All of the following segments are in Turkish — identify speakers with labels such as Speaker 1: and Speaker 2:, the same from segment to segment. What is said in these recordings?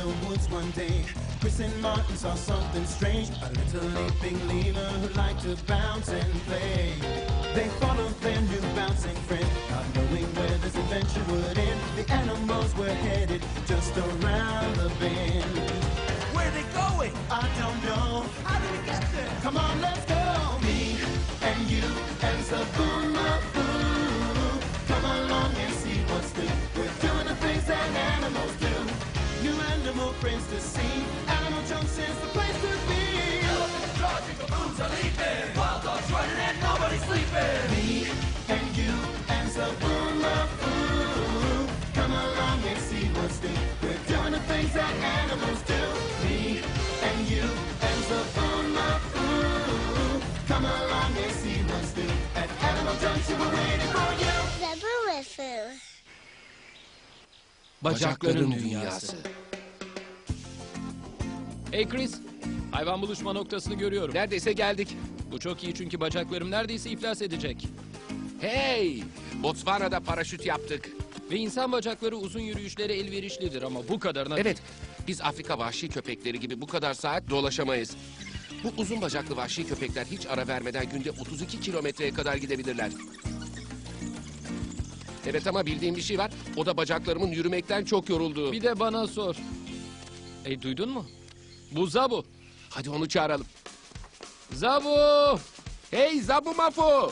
Speaker 1: the woods one day. Chris and Martin saw something strange, a little leaping lemur who liked to bounce and play. They followed their new bouncing friend, not knowing where this adventure would end. The animals were headed just around the bend.
Speaker 2: Where are they going?
Speaker 1: I don't know.
Speaker 2: How did we get there?
Speaker 1: Come on, let's go. Me and you and Zaboomafoo. Come along and see what's new. We're doing the things that animals do. New animal friends to see. Animal Junction's the place to be.
Speaker 2: Elephants charging, baboons are leaping. Wild dogs running and nobody's sleeping.
Speaker 1: Me and you and Zaboomafoo. Come along and see what's new. We're doing the things that animals do. Me and you and Zaboomafoo. Come along and see what's new. At Animal Junction we're waiting for you.
Speaker 3: Zaboomafoo.
Speaker 4: Bacakların dünyası.
Speaker 5: Hey Chris, hayvan buluşma noktasını görüyorum.
Speaker 4: Neredeyse geldik.
Speaker 5: Bu çok iyi çünkü bacaklarım neredeyse iflas edecek.
Speaker 4: Hey! Botswana'da paraşüt yaptık.
Speaker 5: Ve insan bacakları uzun yürüyüşlere elverişlidir ama bu kadarına...
Speaker 4: Evet, biz Afrika vahşi köpekleri gibi bu kadar saat dolaşamayız. Bu uzun bacaklı vahşi köpekler hiç ara vermeden günde 32 kilometreye kadar gidebilirler. Evet ama bildiğim bir şey var. O da bacaklarımın yürümekten çok yorulduğu.
Speaker 5: Bir de bana sor. Duydun mu? Bu Zabu.
Speaker 4: Hadi onu çağıralım.
Speaker 5: Zabu!
Speaker 4: Hey Zaboomafoo!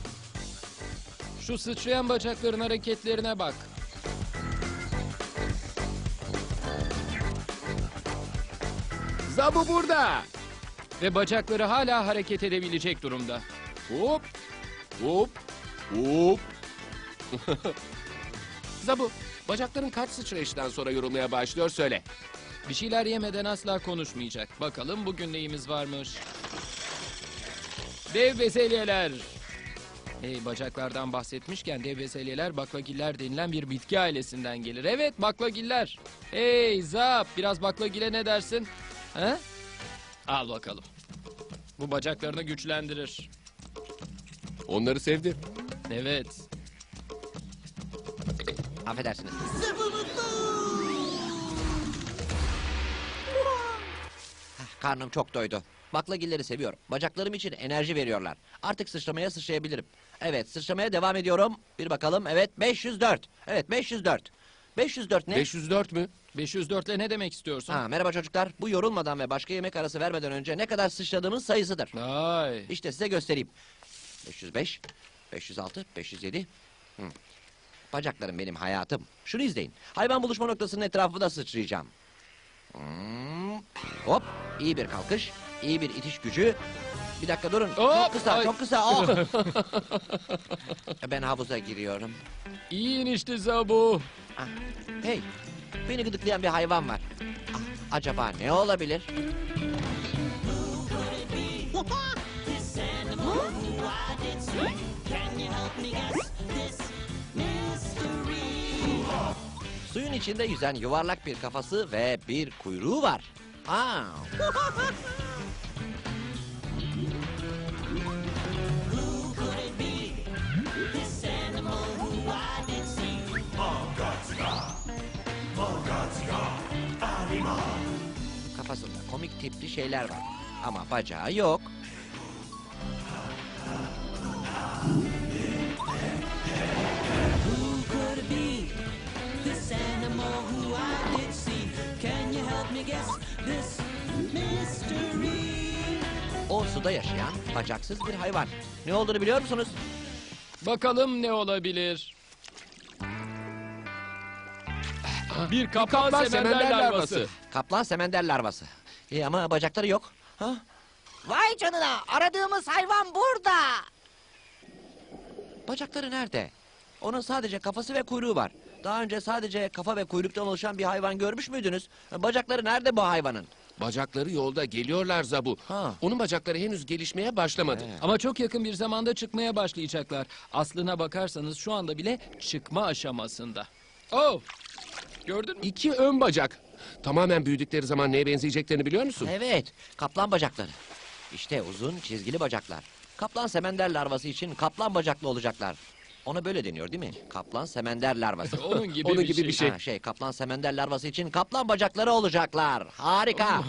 Speaker 5: Şu sıçrayan bacakların hareketlerine bak.
Speaker 4: Zabu burada.
Speaker 5: Ve bacakları hala hareket edebilecek durumda.
Speaker 4: Hop! Hop! Hop! Zabu, bacakların kaç sıçrayıştan sonra yorulmaya başlıyor söyle.
Speaker 5: Bir şeyler yemeden asla konuşmayacak. Bakalım bugün neyimiz varmış. Dev bezelyeler. Hey, bacaklardan bahsetmişken dev bezelyeler baklagiller denilen bir bitki ailesinden gelir. Evet, baklagiller. Hey Zap, biraz baklagile ne dersin? He? Al bakalım. Bu bacaklarını güçlendirir.
Speaker 4: Onları sevdi.
Speaker 5: Evet.
Speaker 6: Affedersiniz. Karnım çok doydu. Baklagilleri seviyorum. Bacaklarım için enerji veriyorlar. Artık sıçramaya sıçrayabilirim. Evet, sıçramaya devam ediyorum. Bir bakalım. Evet, 504. Evet, 504. 504 ne?
Speaker 4: 504 mü?
Speaker 5: 504 ile ne demek istiyorsun?
Speaker 6: Merhaba çocuklar. Bu yorulmadan ve başka yemek arası vermeden önce ne kadar sıçradığımın sayısıdır.
Speaker 5: Ay.
Speaker 6: İşte size göstereyim. 505, 506, 507. Bacaklarım benim hayatım. Şunu izleyin. Hayvan buluşma noktasının etrafında sıçrayacağım. Hop, iyi bir kalkış, iyi bir itiş gücü. Bir dakika durun. Çok
Speaker 5: Hop,
Speaker 6: kısa,
Speaker 5: ay.
Speaker 6: çok kısa. Oh. Ben havuza giriyorum.
Speaker 5: İyi inişti Zabu.
Speaker 6: Hey, beni gıdıklayan bir hayvan var. Acaba ne olabilir? Suyun içinde yüzen yuvarlak bir kafası ve bir kuyruğu var. Kafasında komik tipli şeyler var. Ama bacağı yok. O suda yaşayan bacaksız bir hayvan. Ne olduğunu biliyor musunuz?
Speaker 5: Bakalım ne olabilir? Bir kaplan semender larvası.
Speaker 6: Kaplan semender larvası. Ama bacakları yok.
Speaker 3: Vay canına, aradığımız hayvan burada.
Speaker 6: Bacakları nerede? Onun sadece kafası ve kuyruğu var. Daha önce sadece kafa ve kuyruktan oluşan bir hayvan görmüş müydünüz? Bacakları nerede bu hayvanın?
Speaker 4: Bacakları yolda geliyorlar Zabu. Onun bacakları henüz gelişmeye başlamadı.
Speaker 5: Ama çok yakın bir zamanda çıkmaya başlayacaklar. Aslına bakarsanız şu anda bile çıkma aşamasında. Oh! Gördün mü?
Speaker 4: 2 ön bacak. Tamamen büyüdükleri zaman neye benzeyeceklerini biliyor musun?
Speaker 6: Evet, kaplan bacakları. İşte uzun çizgili bacaklar. Kaplan semender larvası için kaplan bacaklı olacaklar. Ona böyle deniyor değil mi? Kaplan semender larvası.
Speaker 5: Onun gibi
Speaker 4: Onun
Speaker 5: bir
Speaker 4: gibi
Speaker 5: şey.
Speaker 4: bir şey.
Speaker 6: Kaplan semender larvası için kaplan bacakları olacaklar. Harika.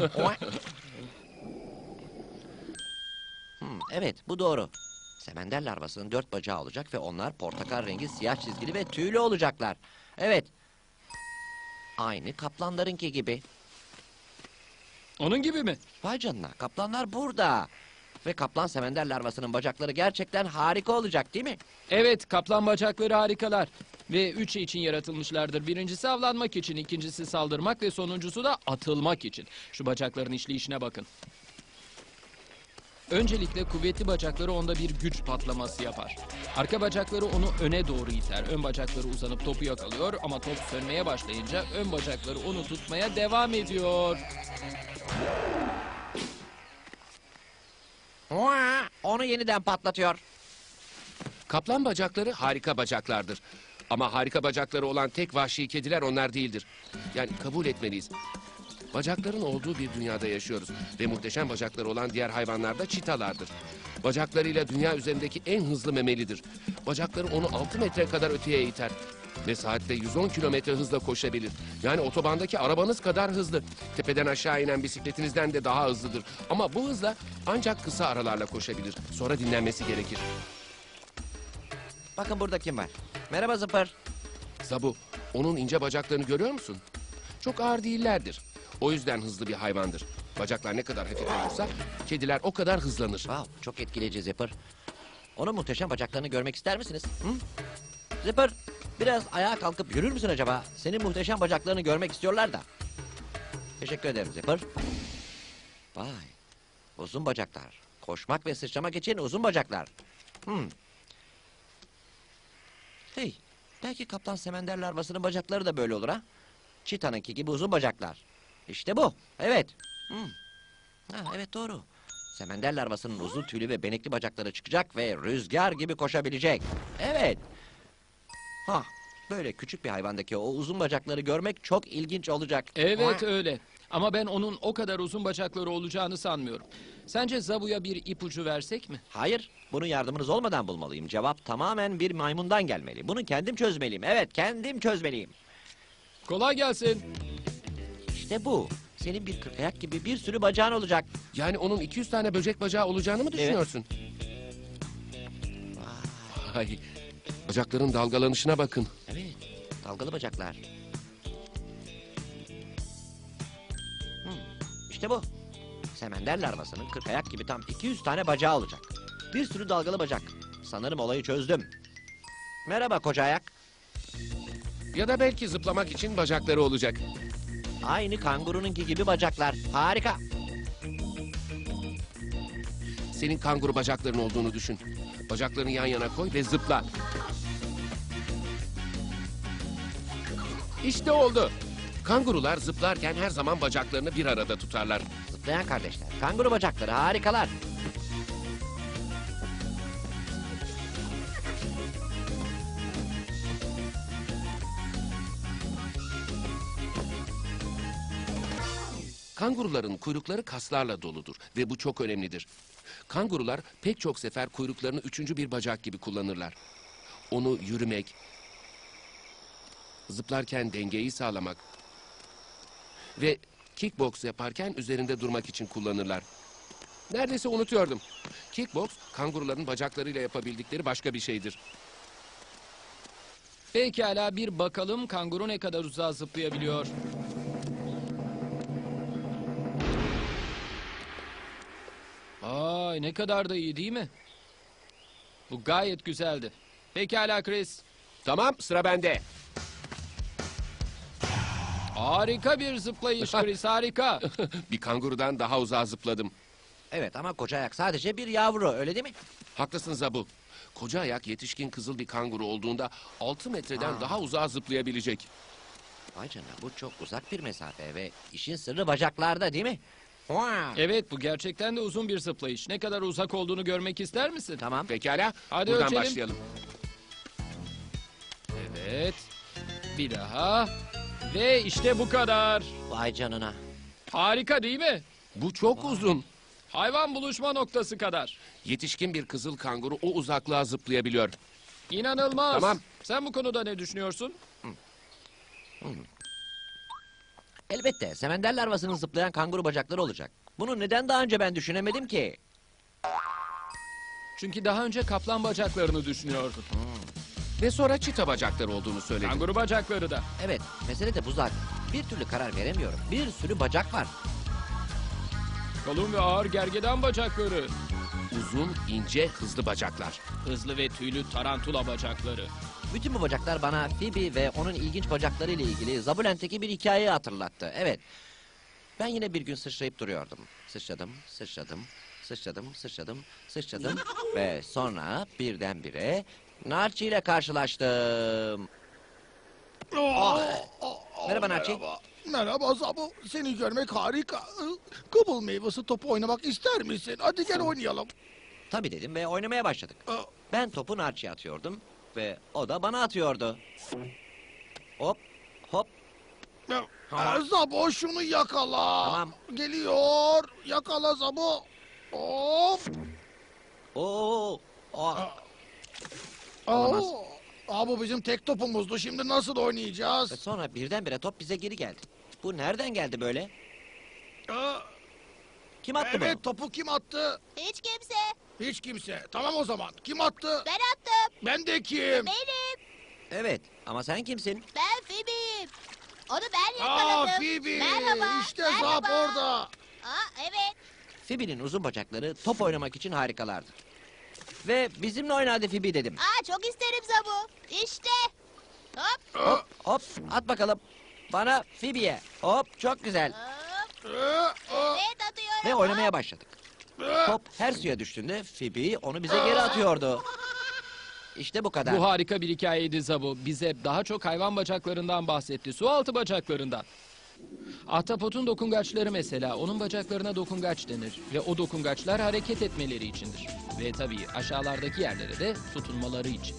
Speaker 6: Evet, bu doğru. Semender larvasının 4 bacağı olacak ve onlar portakal rengi siyah çizgili ve tüylü olacaklar. Evet. Aynı kaplanlarınki gibi.
Speaker 5: Onun gibi mi?
Speaker 6: Vay canına, kaplanlar burada. Ve kaplan semender larvasının bacakları gerçekten harika olacak değil mi?
Speaker 5: Evet, kaplan bacakları harikalar. Ve 3 şey için yaratılmışlardır. Birincisi avlanmak için, ikincisi saldırmak ve sonuncusu da atılmak için. Şu bacakların işleyişine bakın. Öncelikle kuvvetli bacakları onda bir güç patlaması yapar. Arka bacakları onu öne doğru iter. Ön bacakları uzanıp topu yakalıyor ama top sönmeye başlayınca ön bacakları onu tutmaya devam ediyor.
Speaker 6: Onu yeniden patlatıyor.
Speaker 4: Kaplan bacakları harika bacaklardır. Ama harika bacakları olan tek vahşi kediler onlar değildir. Yani kabul etmeliyiz. Bacakların olduğu bir dünyada yaşıyoruz. Ve muhteşem bacakları olan diğer hayvanlar da çitalardır. Bacaklarıyla dünya üzerindeki en hızlı memelidir. Bacakları onu 6 metre kadar öteye iter. Ve saatte 110 kilometre hızla koşabilir. Yani otobandaki arabanız kadar hızlı. Tepeden aşağı inen bisikletinizden de daha hızlıdır. Ama bu hızla ancak kısa aralarla koşabilir. Sonra dinlenmesi gerekir.
Speaker 6: Bakın burada kim var? Merhaba Zıpır.
Speaker 4: Zabu, onun ince bacaklarını görüyor musun? Çok ağır değillerdir. O yüzden hızlı bir hayvandır. Bacaklar ne kadar hafif olursa kediler o kadar hızlanır.
Speaker 6: Wow, çok etkileyici Zıpır. Onun muhteşem bacaklarını görmek ister misiniz? Hı? Zıpır, biraz ayağa kalkıp yürür müsün acaba? Senin muhteşem bacaklarını görmek istiyorlar da. Teşekkür ederim Zıpır. Vay, uzun bacaklar. Koşmak ve sıçramak için uzun bacaklar. Hey, belki kaplan semender larvasının bacakları da böyle olur ha? Çitanınki gibi uzun bacaklar. İşte bu, evet. Evet doğru. Semender larvasının uzun tüylü ve benekli bacakları çıkacak ve rüzgar gibi koşabilecek. Evet. Böyle küçük bir hayvandaki o uzun bacakları görmek çok ilginç olacak.
Speaker 5: Evet öyle. Ama ben onun o kadar uzun bacakları olacağını sanmıyorum. Sence Zabu'ya bir ipucu versek mi?
Speaker 6: Hayır, bunu yardımınız olmadan bulmalıyım. Cevap tamamen bir maymundan gelmeli. Bunu kendim çözmeliyim. Evet, kendim çözmeliyim.
Speaker 5: Kolay gelsin.
Speaker 6: İşte bu. Senin bir kırkayak gibi bir sürü bacağın olacak.
Speaker 4: Yani onun 200 tane böcek bacağı olacağını mı düşünüyorsun? Vay, bacakların dalgalanışına bakın.
Speaker 6: Evet, dalgalı bacaklar. İşte bu. Semender larvasının kırkayak gibi tam 200 tane bacağı olacak. Bir sürü dalgalı bacak. Sanırım olayı çözdüm. Merhaba koca ayak.
Speaker 4: Ya da belki zıplamak için bacakları olacak.
Speaker 6: Aynı kangurununki gibi bacaklar. Harika.
Speaker 4: Senin kanguru bacakların olduğunu düşün. Bacaklarını yan yana koy ve zıpla. İşte oldu. Kangurular zıplarken her zaman bacaklarını bir arada tutarlar.
Speaker 6: Zıplayan kardeşler. Kanguru bacakları harikalar.
Speaker 4: Kanguruların kuyrukları kaslarla doludur ve bu çok önemlidir. Kangurular pek çok sefer kuyruklarını üçüncü bir bacak gibi kullanırlar. Onu yürümek, zıplarken dengeyi sağlamak ve kickbox yaparken üzerinde durmak için kullanırlar. Neredeyse unutuyordum. Kickbox, kanguruların bacaklarıyla yapabildikleri başka bir şeydir.
Speaker 5: Pekala bir bakalım kanguru ne kadar uzağa zıplayabiliyor. Ay ne kadar da iyi değil mi? Bu gayet güzeldi. Pekala Chris.
Speaker 4: Tamam, sıra bende.
Speaker 5: Harika bir zıplayış Chris harika.
Speaker 4: Bir kangurudan daha uzağa zıpladım.
Speaker 6: Evet ama koca ayak sadece bir yavru öyle değil mi?
Speaker 4: Haklısın Zabu. Koca ayak yetişkin kızıl bir kanguru olduğunda 6 metreden daha uzağa zıplayabilecek.
Speaker 6: Vay canına bu çok uzak bir mesafe ve işin sırrı bacaklarda değil mi?
Speaker 5: Evet bu gerçekten de uzun bir zıplayış. Ne kadar uzak olduğunu görmek ister misin?
Speaker 6: Tamam.
Speaker 4: Pekala,
Speaker 5: Hadi
Speaker 4: buradan
Speaker 5: ölçelim.
Speaker 4: başlayalım.
Speaker 5: Evet. Bir daha. Ve işte bu kadar.
Speaker 6: Vay canına.
Speaker 5: Harika değil mi?
Speaker 4: Bu çok uzun.
Speaker 5: Hayvan buluşma noktası kadar.
Speaker 4: Yetişkin bir kızıl kanguru o uzaklığa zıplayabiliyor.
Speaker 5: İnanılmaz.
Speaker 4: Tamam.
Speaker 5: Sen bu konuda ne düşünüyorsun?
Speaker 6: Elbette semender larvasının zıplayan kanguru bacakları olacak. Bunu neden daha önce ben düşünemedim ki?
Speaker 5: Çünkü daha önce kaplan bacaklarını düşünüyordun.
Speaker 4: Ve sonra çita bacakları olduğunu söyledin.
Speaker 5: Kanguru bacakları da.
Speaker 6: Evet, mesele de bu zaten. Bir türlü karar veremiyorum. Bir sürü bacak var.
Speaker 5: Kalın ve ağır gergedan bacakları.
Speaker 4: Uzun, ince, hızlı bacaklar.
Speaker 5: Hızlı ve tüylü tarantula bacakları.
Speaker 6: Bütün bu bacaklar bana Phoebe ve onun ilginç bacakları ile ilgili Zabulent'teki bir hikayeyi hatırlattı. Evet. Ben yine bir gün sıçrayıp duruyordum. Sıçradım, sıçradım, sıçradım, sıçradım, sıçradım ve sonra birdenbire Narçi ile karşılaştım. Merhaba Narçi.
Speaker 7: Merhaba Zabu. Seni görmek harika. Kıbıl meyvesi topu oynamak ister misin? Hadi gel oynayalım.
Speaker 6: Tabii dedim ve oynamaya başladık. Ben topu Narçi'ye atıyordum ve o da bana atıyordu. Hop, hop.
Speaker 7: Zabu şunu yakala.
Speaker 6: Tamam.
Speaker 7: Geliyor. Yakala Zabu. Of.
Speaker 6: Oo,
Speaker 7: Olamaz. Bu bizim tek topumuzdu. Şimdi nasıl
Speaker 6: Ve
Speaker 7: oynayacağız?
Speaker 6: sonra birdenbire top bize geri geldi. Bu nereden geldi böyle?
Speaker 7: Aa,
Speaker 6: Kim attı
Speaker 7: evet,
Speaker 6: bunu?
Speaker 7: topu kim attı?
Speaker 3: Hiç kimse.
Speaker 7: Hiç kimse. Tamam o zaman. Kim attı?
Speaker 3: Ben attım.
Speaker 7: Ben de kim?
Speaker 3: Benim.
Speaker 6: Evet, ama sen kimsin?
Speaker 3: Ben Phoebe'yim. Onu ben
Speaker 7: Aa,
Speaker 3: yakaladım.
Speaker 7: Phoebe.
Speaker 3: Merhaba.
Speaker 7: İşte
Speaker 3: merhaba.
Speaker 7: Zap orada.
Speaker 3: Aa, evet.
Speaker 6: Phoebe'nin uzun bacakları top oynamak için harikalardır. Ve bizimle oyna hadi Phoebe dedim.
Speaker 3: Aa, çok isterim Zabu. İşte. Hop.
Speaker 6: Hop, hop, at bakalım. Bana Phoebe'ye. Hop, çok güzel.
Speaker 3: Hop.
Speaker 7: Aa,
Speaker 3: Evet, atıyorum.
Speaker 6: Ve oynamaya
Speaker 3: Hop.
Speaker 6: başladık. Top her suya düştüğünde Phoebe onu bize geri atıyordu. İşte bu kadar.
Speaker 5: Bu harika bir hikayeydi Zabu. Bize daha çok hayvan bacaklarından bahsetti. Su altı bacaklarından. Ahtapotun dokungaçları mesela. Onun bacaklarına dokungaç denir. Ve o dokungaçlar hareket etmeleri içindir. Ve tabii aşağılardaki yerlere de tutunmaları için.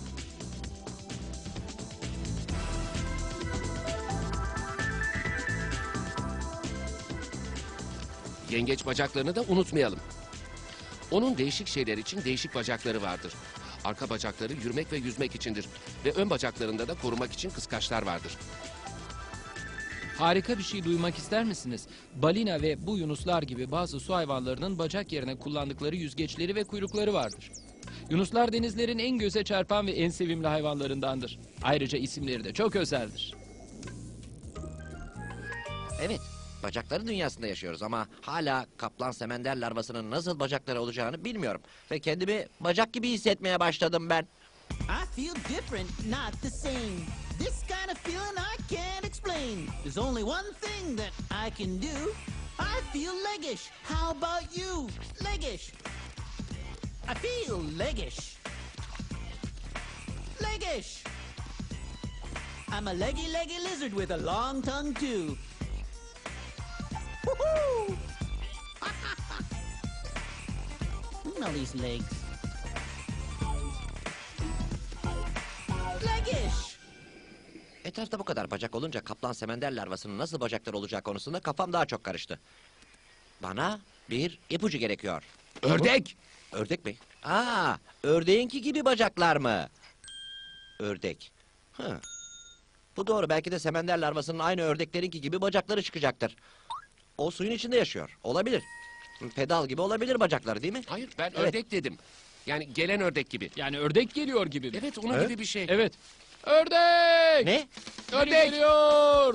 Speaker 4: Yengeç bacaklarını da unutmayalım. Onun değişik şeyler için değişik bacakları vardır. Arka bacakları yürümek ve yüzmek içindir. Ve ön bacaklarında da korumak için kıskaçlar vardır.
Speaker 5: Harika bir şey duymak ister misiniz? Balina ve bu yunuslar gibi bazı su hayvanlarının bacak yerine kullandıkları yüzgeçleri ve kuyrukları vardır. Yunuslar denizlerin en göze çarpan ve en sevimli hayvanlarındandır. Ayrıca isimleri de çok özeldir.
Speaker 6: Evet, bacakları dünyasında yaşıyoruz ama hala kaplan semender larvasının nasıl bacakları olacağını bilmiyorum. Ve kendimi bacak gibi hissetmeye başladım ben.
Speaker 8: I feel different, not the same. This kind of feeling I can't explain. There's only one thing that I can do. I feel leggish. How about you? Leggish. I feel leggish. Leggish. I'm a leggy lizard with a long tongue too. Woohoo! Look at all these legs. Leggish.
Speaker 6: Etrafta bu kadar bacak olunca kaplan semender larvasının nasıl bacakları olacağı konusunda kafam daha çok karıştı. Bana bir ipucu gerekiyor.
Speaker 4: Ördek!
Speaker 6: Ördek mi? Aa, ördeğinki gibi bacaklar mı? Ördek. Hı. Bu doğru. Belki de semender larvasının aynı ördeklerinki gibi bacakları çıkacaktır. O suyun içinde yaşıyor. Olabilir. Pedal gibi olabilir bacakları değil mi?
Speaker 4: Hayır, ben
Speaker 6: Evet.
Speaker 4: ördek dedim. Yani gelen ördek gibi.
Speaker 5: Yani ördek geliyor gibi mi?
Speaker 4: Evet, onun
Speaker 6: Evet.
Speaker 4: gibi bir şey.
Speaker 5: Evet. Ördek!
Speaker 6: Ne?
Speaker 5: Biri
Speaker 4: Ördek!
Speaker 5: geliyor!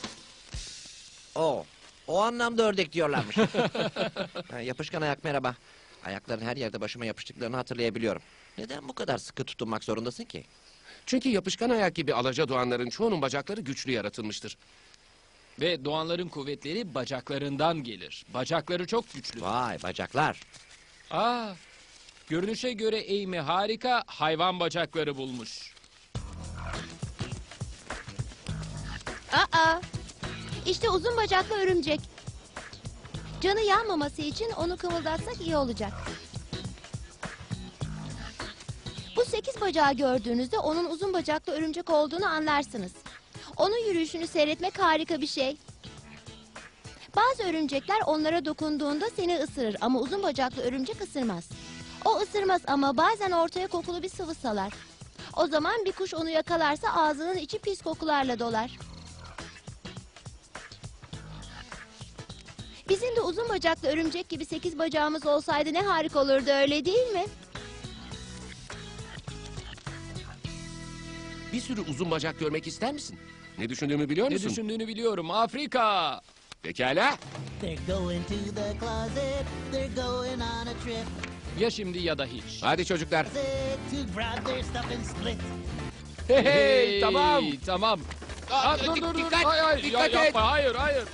Speaker 6: O anlamda ördek diyorlarmış. Ha, yapışkan ayak merhaba. Ayakların her yerde başıma yapıştıklarını hatırlayabiliyorum. Neden bu kadar sıkı tutunmak zorundasın ki?
Speaker 4: Çünkü yapışkan ayak gibi alaca doğanların çoğunun bacakları güçlü yaratılmıştır.
Speaker 5: Ve doğanların kuvvetleri bacaklarından gelir. Bacakları çok güçlü.
Speaker 6: Vay bacaklar.
Speaker 5: Aa, görünüşe göre Amy harika hayvan bacakları bulmuş.
Speaker 9: Aa, işte uzun bacaklı örümcek. Canı yanmaması için onu kımıldatsak iyi olacak. Bu 8 bacağı gördüğünüzde onun uzun bacaklı örümcek olduğunu anlarsınız. Onun yürüyüşünü seyretmek harika bir şey. Bazı örümcekler onlara dokunduğunda seni ısırır ama uzun bacaklı örümcek ısırmaz. O ısırmaz ama bazen ortaya kokulu bir sıvı salar. O zaman bir kuş onu yakalarsa ağzının içi pis kokularla dolar. Bizim de uzun bacaklı örümcek gibi 8 bacağımız olsaydı ne harika olurdu, öyle değil mi?
Speaker 4: Bir sürü uzun bacak görmek ister misin? Ne düşündüğümü biliyor
Speaker 5: Ne
Speaker 4: musun?
Speaker 5: düşündüğünü biliyorum. Afrika.
Speaker 4: Pekala.
Speaker 8: They're going to the closet. They're going on a trip.
Speaker 5: Ya şimdi ya da hiç.
Speaker 4: Hadi çocuklar.
Speaker 8: To grab their stuff and split.
Speaker 4: Hey, tamam.
Speaker 5: Tamam. Aa, dur.
Speaker 4: Dikkat,
Speaker 5: Hayır, hayır.
Speaker 4: dikkat
Speaker 5: Ya,
Speaker 4: et.
Speaker 5: yapma. Hayır.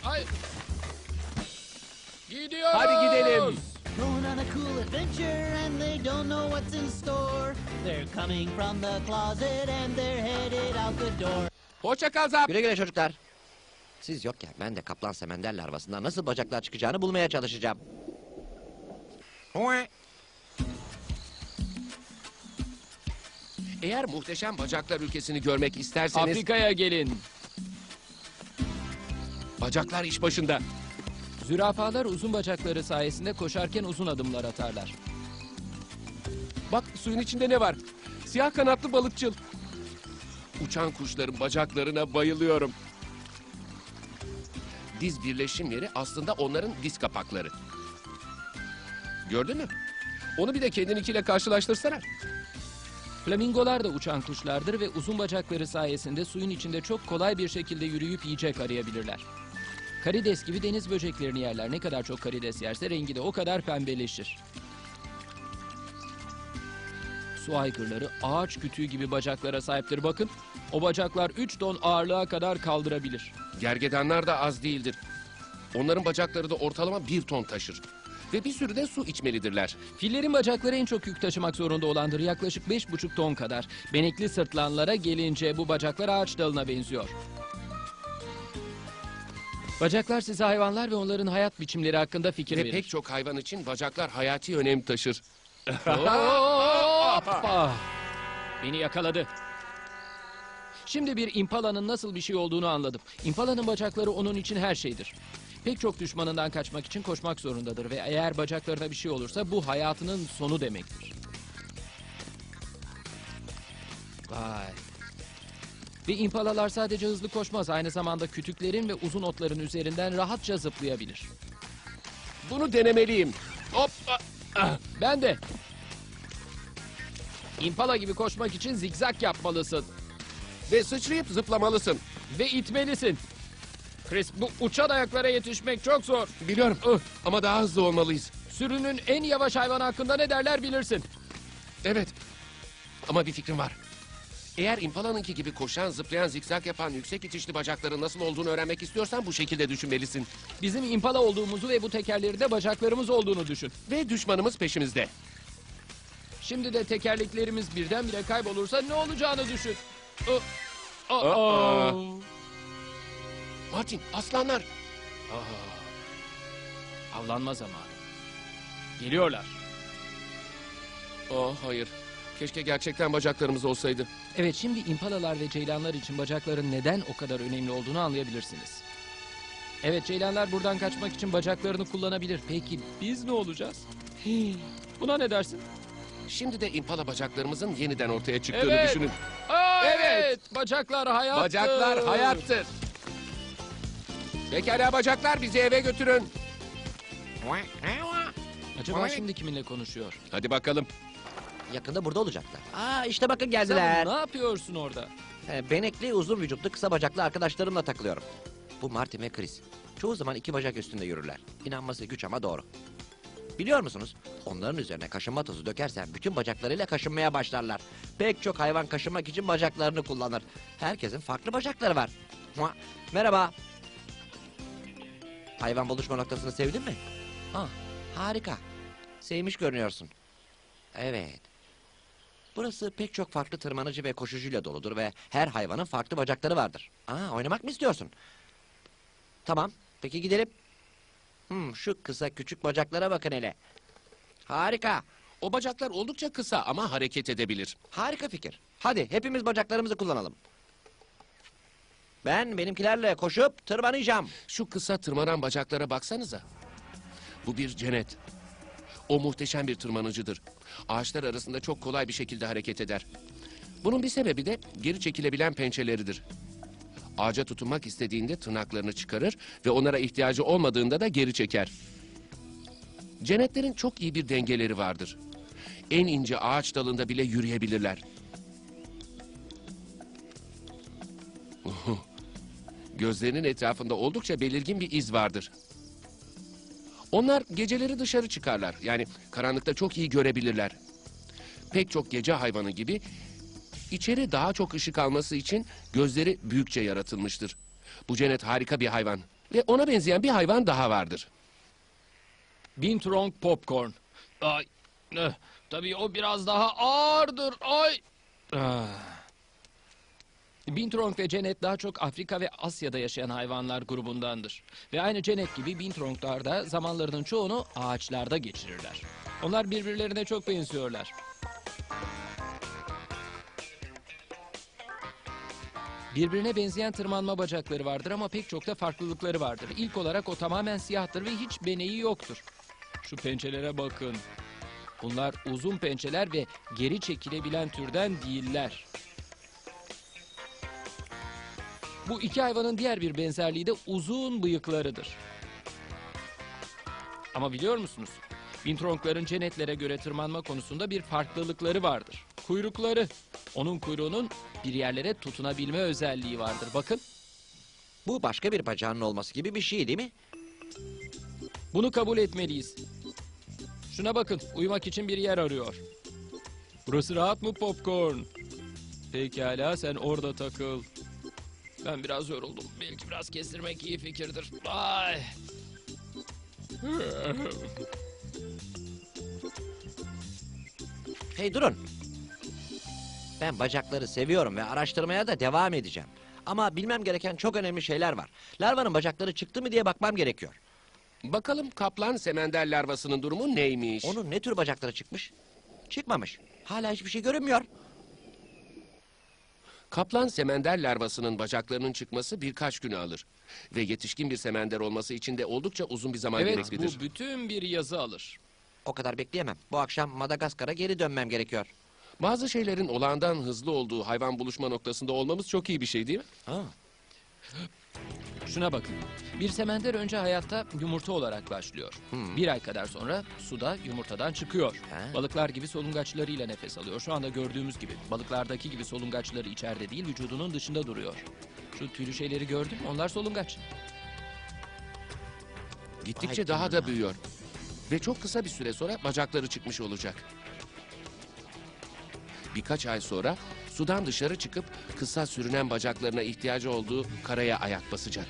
Speaker 5: Gidiyoruz.
Speaker 4: Hadi gidelim.
Speaker 8: Going on a cool adventure and they don't know what's in store. They're coming from the closet and they're headed out the door.
Speaker 4: Hoşça kal Zap.
Speaker 6: Güle güle çocuklar. Siz yokken ben de kaplan semender larvasından nasıl bacaklar çıkacağını bulmaya çalışacağım.
Speaker 4: Eğer muhteşem bacaklar ülkesini görmek isterseniz
Speaker 5: Afrika'ya gelin.
Speaker 4: bacaklar iş başında.
Speaker 5: Zürafalar uzun bacakları sayesinde koşarken uzun adımlar atarlar.
Speaker 4: Bak suyun içinde ne var? Siyah kanatlı balıkçıl. Uçan kuşların bacaklarına bayılıyorum. Diz birleşim yeri aslında onların diz kapakları. Gördün mü? Onu bir de kendininkiyle karşılaştırsana.
Speaker 5: Flamingolar da uçan kuşlardır ve uzun bacakları sayesinde suyun içinde çok kolay bir şekilde yürüyüp yiyecek arayabilirler. Karides gibi deniz böceklerini yerler. Ne kadar çok karides yerse rengi de o kadar pembeleşir. Su aygırları ağaç kütüğü gibi bacaklara sahiptir. Bakın, o bacaklar 3 ton ağırlığa kadar kaldırabilir.
Speaker 4: Gergedanlar da az değildir. Onların bacakları da ortalama 1 ton taşır. Ve bir sürü de su içmelidirler.
Speaker 5: Fillerin bacakları en çok yük taşımak zorunda olandır. Yaklaşık 5,5 ton kadar. Benekli sırtlanlara gelince bu bacaklar ağaç dalına benziyor. Bacaklar size hayvanlar ve onların hayat biçimleri hakkında fikir
Speaker 4: Ve
Speaker 5: verir.
Speaker 4: pek çok hayvan için bacaklar hayati önem taşır.
Speaker 5: Hoppa! Beni yakaladı. Şimdi bir impalanın nasıl bir şey olduğunu anladım. İmpalanın bacakları onun için her şeydir. Pek çok düşmanından kaçmak için koşmak zorundadır ve eğer bacaklarına bir şey olursa bu hayatının sonu demektir. Vay. Ve impalalar sadece hızlı koşmaz, aynı zamanda kütüklerin ve uzun otların üzerinden rahatça zıplayabilir.
Speaker 4: Bunu denemeliyim. Hop!
Speaker 5: Ben de. İmpala gibi koşmak için zigzag yapmalısın.
Speaker 4: Ve sıçrayıp zıplamalısın.
Speaker 5: Ve itmelisin. Chris, bu uçan ayaklara yetişmek çok zor.
Speaker 4: Biliyorum ama daha hızlı olmalıyız.
Speaker 5: Sürünün en yavaş hayvanı hakkında ne derler bilirsin.
Speaker 4: Evet ama bir fikrim var. Eğer impalanınki gibi koşan, zıplayan, zikzak yapan, yüksek itişli bacakların nasıl olduğunu öğrenmek istiyorsan bu şekilde düşünmelisin.
Speaker 5: Bizim impala olduğumuzu ve bu tekerleri de olduğunu düşün.
Speaker 4: Ve düşmanımız peşimizde.
Speaker 5: Şimdi de tekerleklerimiz birdenbire kaybolursa ne olacağını düşün.
Speaker 4: Martin, aslanlar.
Speaker 5: Avlanma zamanı. Geliyorlar.
Speaker 4: Oh hayır. Keşke gerçekten bacaklarımız olsaydı.
Speaker 5: Evet, şimdi impalalar ve ceylanlar için bacakların neden o kadar önemli olduğunu anlayabilirsiniz. Evet, ceylanlar buradan kaçmak için bacaklarını kullanabilir. Peki biz ne olacağız? Buna ne dersin?
Speaker 4: Şimdi de impala bacaklarımızın yeniden ortaya çıktığını
Speaker 5: Evet.
Speaker 4: düşünün.
Speaker 5: Evet, bacaklar hayattır.
Speaker 4: Bacaklar hayattır. Pekala bacaklar, bizi eve götürün.
Speaker 5: Acaba şimdi kiminle konuşuyor?
Speaker 4: Hadi bakalım.
Speaker 6: Yakında burada olacaklar. Aa işte bakın
Speaker 5: Sen
Speaker 6: geldiler.
Speaker 5: ne yapıyorsun orada?
Speaker 6: Benekli, uzun vücutlu, kısa bacaklı arkadaşlarımla takılıyorum. Bu Martin ve Chris. Çoğu zaman 2 bacak üstünde yürürler. İnanması güç ama doğru. Biliyor musunuz? Onların üzerine kaşınma tozu dökersen bütün bacaklarıyla kaşınmaya başlarlar. Pek çok hayvan kaşınmak için bacaklarını kullanır. Herkesin farklı bacakları var. Merhaba. Hayvan buluşma noktasını sevdin mi? Harika. Sevmiş görünüyorsun. Evet. Burası pek çok farklı tırmanıcı ve koşucuyla doludur ve her hayvanın farklı bacakları vardır. Oynamak mı istiyorsun? Tamam, peki gidelim. Şu kısa küçük bacaklara bakın hele. Harika,
Speaker 4: O bacaklar oldukça kısa ama hareket edebilir.
Speaker 6: harika fikir. Hadi hepimiz bacaklarımızı kullanalım. Ben benimkilerle koşup tırmanacağım.
Speaker 4: Şu kısa tırmanan bacaklara baksanıza. Bu bir cennet. O muhteşem bir tırmanıcıdır. Ağaçlar arasında çok kolay bir şekilde hareket eder. Bunun bir sebebi de geri çekilebilen pençeleridir. Ağaca tutunmak istediğinde tırnaklarını çıkarır ve onlara ihtiyacı olmadığında da geri çeker. Cenetlerin çok iyi bir dengeleri vardır. En ince ağaç dalında bile yürüyebilirler. Gözlerinin etrafında oldukça belirgin bir iz vardır. Onlar geceleri dışarı çıkarlar. Yani karanlıkta çok iyi görebilirler. Pek çok gece hayvanı gibi içeri daha çok ışık alması için gözleri büyükçe yaratılmıştır. Bu Cenet harika bir hayvan. Ve ona benzeyen bir hayvan daha vardır.
Speaker 5: Binturong Popcorn. Ay. Tabii o biraz daha ağırdır. Ay. Binturong ve Cenet daha çok Afrika ve Asya'da yaşayan hayvanlar grubundandır. Ve aynı Cenet gibi Binturonglar da zamanlarının çoğunu ağaçlarda geçirirler. Onlar birbirlerine çok benziyorlar. Birbirine benzeyen tırmanma bacakları vardır ama pek çok da farklılıkları vardır. İlk olarak o tamamen siyahtır ve hiç beneği yoktur. Şu pençelere bakın. Bunlar uzun pençeler ve geri çekilebilen türden değiller. Bu iki hayvanın diğer bir benzerliği de uzun bıyıklarıdır. Ama biliyor musunuz? Binturongların Cenetlere göre tırmanma konusunda bir farklılıkları vardır. Kuyrukları. Onun kuyruğunun bir yerlere tutunabilme özelliği vardır. Bakın.
Speaker 6: Bu başka bir bacağının olması gibi bir şey değil mi?
Speaker 5: Bunu kabul etmeliyiz. Şuna bakın. Uyumak için bir yer arıyor. Burası rahat mı Popcorn? Pekala sen orada takıl. Ben biraz yoruldum. Belki biraz kestirmek iyi fikirdir. Ay.
Speaker 6: Hey durun. Ben bacakları seviyorum ve araştırmaya da devam edeceğim. Ama bilmem gereken çok önemli şeyler var. Larvanın bacakları çıktı mı diye bakmam gerekiyor.
Speaker 4: Bakalım kaplan semender larvasının durumu neymiş?
Speaker 6: Onun ne tür bacakları çıkmış? Çıkmamış. Hala hiçbir şey görünmüyor.
Speaker 4: Kaplan semender larvasının bacaklarının çıkması birkaç günü alır. Ve yetişkin bir semender olması için de oldukça uzun bir zaman
Speaker 5: Evet,
Speaker 4: gereklidir.
Speaker 5: bu bütün bir yazı alır.
Speaker 6: O kadar bekleyemem. Bu akşam Madagaskar'a geri dönmem gerekiyor.
Speaker 4: Bazı şeylerin olağandan hızlı olduğu hayvan buluşma noktasında olmamız çok iyi bir şey değil mi?
Speaker 6: Ha.
Speaker 5: Şuna bakın. Bir semender önce hayatta yumurta olarak başlıyor. Bir ay kadar sonra suda yumurtadan çıkıyor.
Speaker 6: Ha.
Speaker 5: Balıklar gibi solungaçlarıyla nefes alıyor. Şu anda gördüğümüz gibi. Balıklardaki gibi solungaçları içeride değil, vücudunun dışında duruyor. Şu tüylü şeyleri gördün mü? Onlar solungaç.
Speaker 4: Gittikçe
Speaker 6: Vay
Speaker 4: daha da
Speaker 6: canına.
Speaker 4: büyüyor. Ve çok kısa bir süre sonra bacakları çıkmış olacak. Birkaç ay sonra sudan dışarı çıkıp kısa sürünen bacaklarına ihtiyacı olduğu karaya ayak basacak.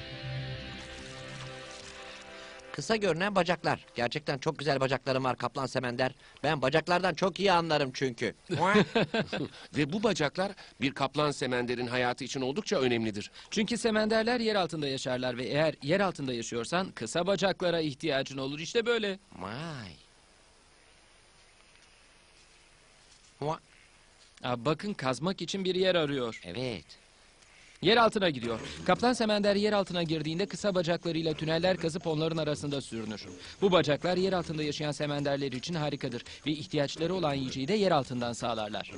Speaker 6: Kısa görünen bacaklar. Gerçekten çok güzel bacaklarım var kaplan semender. Ben bacaklardan çok iyi anlarım çünkü.
Speaker 4: Ve bu bacaklar bir kaplan semenderin hayatı için oldukça önemlidir.
Speaker 5: Çünkü semenderler yer altında yaşarlar ve eğer yer altında yaşıyorsan kısa bacaklara ihtiyacın olur. İşte böyle.
Speaker 6: Vay.
Speaker 5: Bakın kazmak için bir yer arıyor.
Speaker 6: Evet.
Speaker 5: Yer altına gidiyor. Kaplan semender yer altına girdiğinde kısa bacaklarıyla tüneller kazıp onların arasında sürünür. Bu bacaklar yer altında yaşayan semenderler için harikadır ve ihtiyaçları olan yiyeceği de yer altından sağlarlar.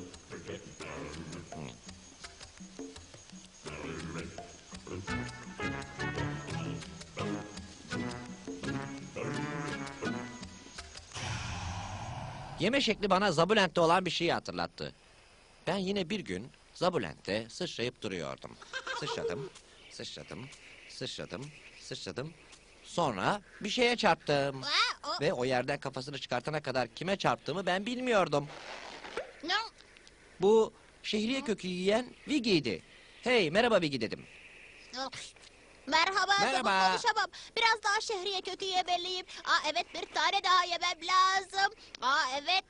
Speaker 6: Yeme şekli bana Zabulent'te olan bir şeyi hatırlattı. Ben yine bir gün Zabulent'te sıçrayıp duruyordum. Sıçradım, sıçradım, sıçradım, sıçradım. Sonra bir şeye çarptım. Ve o yerden kafasını çıkartana kadar kime çarptığımı ben bilmiyordum.
Speaker 3: Ne?
Speaker 6: Bu şehriye kökü yiyen Vigi'ydi. Hey merhaba Vigi dedim.
Speaker 3: Merhaba,
Speaker 6: Merhaba.
Speaker 3: Merhaba. Konuşamam. Biraz daha şehriye kökü yemeliyim. Evet, bir tane daha yemem lazım. Evet.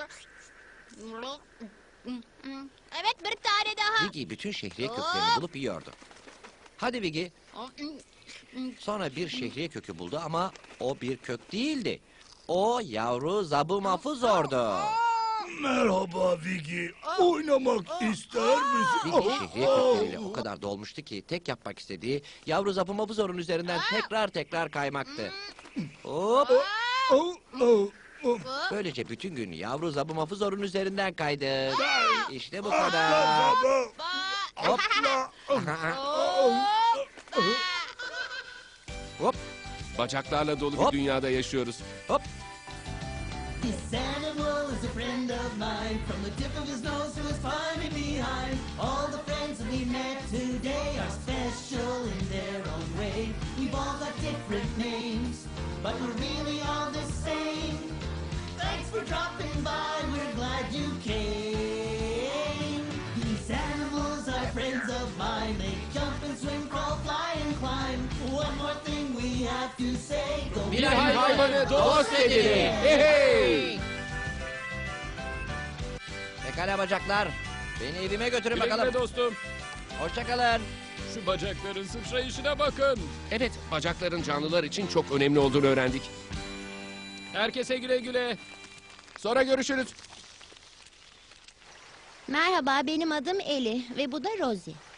Speaker 3: Evet, bir tane daha.
Speaker 6: Vigi bütün şehriye köklerini bulup yiyordu. Hadi Vigi. Sonra bir şehriye kökü buldu ama o bir kök değildi. O yavru zabumafuzordu.
Speaker 7: Merhaba Vigi. Oynamak ister misin?
Speaker 6: Vigi şehriye kökleriyle o kadar dolmuştu ki tek yapmak istediği yavru zabumafuzorun üzerinden tekrar kaymaktı. Hop. Böylece bütün gün yavru zabumafuzorun üzerinden kaydı. İşte bu kadar. Hop. Hop.
Speaker 4: Bacaklarla dolu bir
Speaker 6: Hop.
Speaker 4: dünyada yaşıyoruz.
Speaker 6: Hop.
Speaker 8: This animal is a friend of mine. From the tip of his nose to his funny behind. All the friends that we met today are special in their own way. We've all got different names, but we're really all the same. Thanks for dropping by, we're glad you came. These animals are friends of mine. They jump and swim, crawl, fly and climb. One more thing we have to say. Go
Speaker 5: Bir hayvanı dost edin. Hey hey.
Speaker 6: Pekala bacaklar. Beni evime götürün
Speaker 5: Güle
Speaker 6: bakalım.
Speaker 5: güle dostum.
Speaker 6: Hoşçakalın.
Speaker 5: Şu bacakların sıçrayışına bakın.
Speaker 4: Evet, bacakların canlılar için çok önemli olduğunu öğrendik.
Speaker 5: Herkese güle güle.
Speaker 4: Sonra görüşürüz.
Speaker 9: Merhaba, benim adım Eli ve bu da Rosie.